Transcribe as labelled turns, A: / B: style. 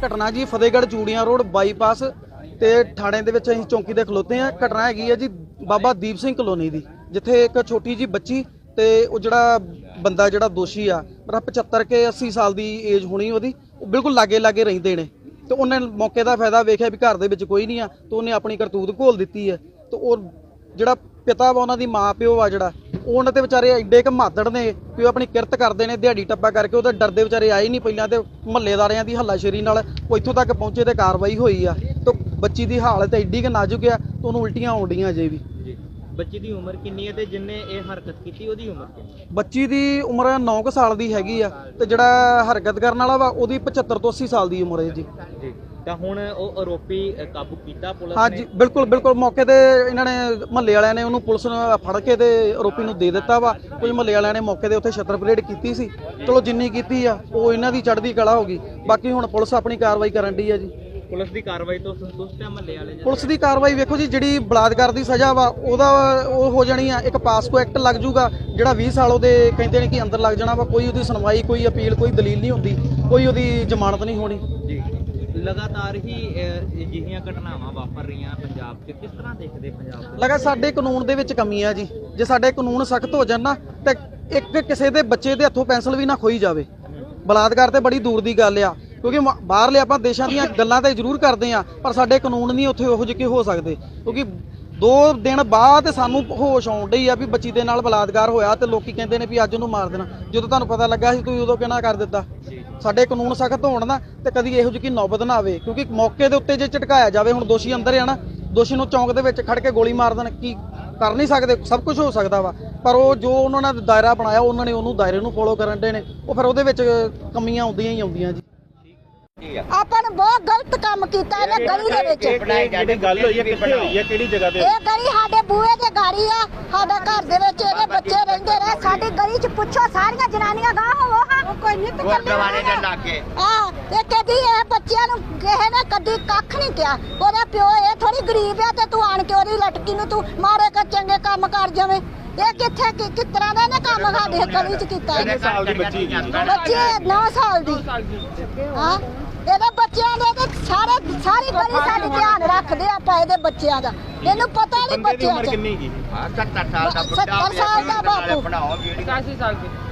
A: घटना जी फतेहगढ़ चूड़ियां road bypass ते थाणे दे विच असीं चौंकी दे खलोते हैं। घटना हैगी है जी बाबा दीप सिंह कलोनी दी, जिथे एक छोटी जी बच्ची ते वो जिहड़ा बंदा जिहड़ा दोषी आ 75 के 80 साल दी एज होनी ओहदी, बिल्कुल लागे लागे रहिंदे ने। ते उन्हें मौके का फायदा वेखिया भी घर दे विच कोई नहीं आ, तो उन्हें अपनी करतूत घोल दी है। तो वो जिहड़ा पिता वा उन्हां दी मां प्यो आ जिहड़ा उन्होंने तो बेचारे एडे क मादड़ ने कि वो अपनी किरत करते हैं, दिहाड़ी टप्पा करके वो डरते बेचारे आए नहीं पहले, तो मुहल्लेदारियां की हल्लाशेरी नाल वो इत्थों तक पहुंचे तो कार्रवाई हुई आ। तो बच्ची की हालत एडी क नाजुक है तो उन्होंने उल्टियां आउण डीआं अजे भी।
B: बच्ची की उम्र कितनी है ते जिन्ने ये हरकत की ओदी उम्र कितनी?
A: बच्ची की उम्र 9 साल की हैगी आ ते जिहड़ा हरकत करन वाला वा ओहदी 75 तो 80 साल की उम्र है जी।
B: ਤਾਂ ਹੁਣ ਉਹ ਆਰੋਪੀ ਕਾਬੂ ਕੀਤਾ ਪੁਲਿਸ ਨੇ?
A: हाँ जी बिल्कुल बिल्कुल, मौके ते इन्होंने महल्ले वालियां ने उन्होंने पुलिस ने फड़ के ते आरोपी नूं दे दिता वा। कुछ महल्ले वालियां ने मौके ते उत्थे छत्तर परेड कीती सी, चलो जिन्नी कीती आ वो इन्हां दी चढ़दी कला हो गई। बाकी हुण पुलिस अपनी कार्रवाई करन दी है जी।
B: पुलिस की कार्रवाई तो संतुष्ट है महल्ले वाले?
A: पुलिस की कार्रवाई वेखो जी, जिहड़ी बलात्कार की सज़ा वा ओहदा वो हो जानी आ, एक पासको एक्ट लग जूगा जिहड़ा 20 साल ओहदे कहंदे ने कि अंदर लग जाना वा। कोई ओहदी सुनवाई, कोई अपील, कोई दलील नहीं हुंदी, कोई ओहदी जमानत नहीं होनी जी।
B: लगातार ही अजिहियां घटनावां वापर रहीਆਂ ਪੰਜਾਬ 'ਚ, किस तरह देखते पंजाब?
A: लगा साडे कानून दे विच कमी है जी। जे साडे कानून सख्त हो जाण ना ते एक किसी दे बच्चे दे हत्थों पेंसिल भी ना खोई जावे। बलात्कार ते बड़ी दूर दी गल आ, क्योंकि बाहरले आपां देशां दीयां गल्लां ते जरूर करदे आ, पर साडे कानून नहीं उत्थे ओहो जिहे हो सकदे। क्योंकि 2 दिन बाद सानू होश आउण डई आ भी बच्ची दे नाल बलात्कार होया ते लोकी कहंदे ने भी अज उहनूं मार देना। ਜਦੋਂ ਤੁਹਾਨੂੰ ਪਤਾ ਲੱਗਾ ਸੀ ਤੁਸੀਂ ਉਦੋਂ ਕਿਹਨਾਂ ਕਰ ਦਿੱਤਾ? ਸਾਡੇ ਕਾਨੂੰਨ ਸਖਤ ਹੋਣ ਨਾ ਤੇ ਕਦੀ ਇਹੋ ਜਿਹੀ ਨੌਬਤ ਨਾ ਆਵੇ, ਕਿਉਂਕਿ ਮੌਕੇ ਦੇ ਉੱਤੇ ਜੇ ਝਟਕਾਇਆ ਜਾਵੇ, ਹੁਣ ਦੋਸ਼ੀ ਅੰਦਰ ਆ ਨਾ, ਦੋਸ਼ੀ ਨੂੰ ਚੌਂਕ ਦੇ ਵਿੱਚ ਖੜ ਕੇ ਗੋਲੀ ਮਾਰ ਦੇਣ, ਕੀ ਕਰ ਨਹੀਂ ਸਕਦੇ? ਸਭ ਕੁਝ ਹੋ ਸਕਦਾ ਵਾ, ਪਰ ਉਹ ਜੋ ਉਹਨਾਂ ਨੇ ਦਾਇਰਾ ਬਣਾਇਆ ਉਹਨਾਂ ਨੇ ਉਹਨੂੰ ਦਾਇਰੇ ਨੂੰ ਫੋਲੋ ਕਰਨ ਦੇ ਨੇ, ਉਹ ਫਿਰ ਉਹਦੇ ਵਿੱਚ ਕਮੀਆਂ ਆਉਂਦੀਆਂ ਹੀ ਆਉਂਦੀਆਂ ਜੀ।
C: ਆਪਾਂ ਨੇ ਬਹੁਤ ਗਲਤ ਕੰਮ ਕੀਤਾ ਇਹਨੇ ਗਲੀ ਦੇ ਵਿੱਚ।
D: ਜਿਹੜੀ ਗੱਲ ਹੋਈ ਹੈ ਕਿੱਥੇ ਹੋਈ ਹੈ, ਕਿਹੜੀ ਜਗ੍ਹਾ ਤੇ?
C: ਇਹ ਗਲੀ ਸਾਡੇ ਬੂਹੇ ਦੇ ਗਾੜੀ ਆ, ਸਾਡਾ ਘਰ ਦੇ ਵਿੱਚ ਇਹਦੇ ਬੱਚੇ ਰਹਿੰਦੇ ਰਹੇ। ਸਾਡੀ ਗਲੀ 'ਚ ਪੁੱਛੋ ਸਾਰੀਆਂ ਜਨਾਨੀਆਂ ਗਾਹ ਹੋਵੋ ਹਾਂ, ਕੋਈ ਨਿੱਤ
D: ਗੁਰਦੁਆਰੇ ਦੇ ਲਾਗੇ
C: ਤੇ ਕਦੀ ਇਹ ਬੱਚਿਆਂ ਨੂੰ ਕਿਸੇ ਨੇ ਕਦੀ ਕੱਖ ਨਹੀਂ ਕਿਹਾ। ਉਹਦਾ ਪਿਓ ਇਹ ਥੋੜੀ ਗਰੀਬ ਆ ਤੇ ਤੂੰ ਆਣ ਕੇ ਉਹਦੀ ਲਟਕੀ ਨੂੰ ਤੂੰ ਮਾਰੇ ਕਰ ਚੰਗੇ ਕੰਮ ਕਰ ਜਾਵੇਂ। ਇਹ ਕਿੱਥੇ ਕਿਸ ਤਰ੍ਹਾਂ ਦਾ ਇਹਨੇ ਕੰਮ ਸਾਡੇ ਗਲੀ 'ਚ ਕੀਤਾ?
D: ਕਿੰਨੇ ਸਾਲ ਦੀ ਬੱਚੀ?
C: ਬੱਚੇ 9 ਸਾਲ ਦੀ। ਹਾਂ, ਇਹਦੇ ਬੱਚਿਆਂ ਦੇ ਤੇ ਸਾਰੀ ਗਲੀ ਸਾਡੀ ਧਿਆਨ ਰੱਖਦੇ ਆਪਾਂ ਇਹਦੇ ਬੱਚਿਆਂ ਦਾ। ਇਹਨੂੰ ਪਤਾ ਨਹੀਂ ਬੱਚਿਆਂ 'ਚ
D: ਕਿੰਨੀ ਕੀ?
C: 70 ਸਾਲ ਦਾ ਬਾਪੂ।
D: ਬਣਾਓ ਵੀਡੀਓ।
B: 85 ਸਾਲ ਦੀ।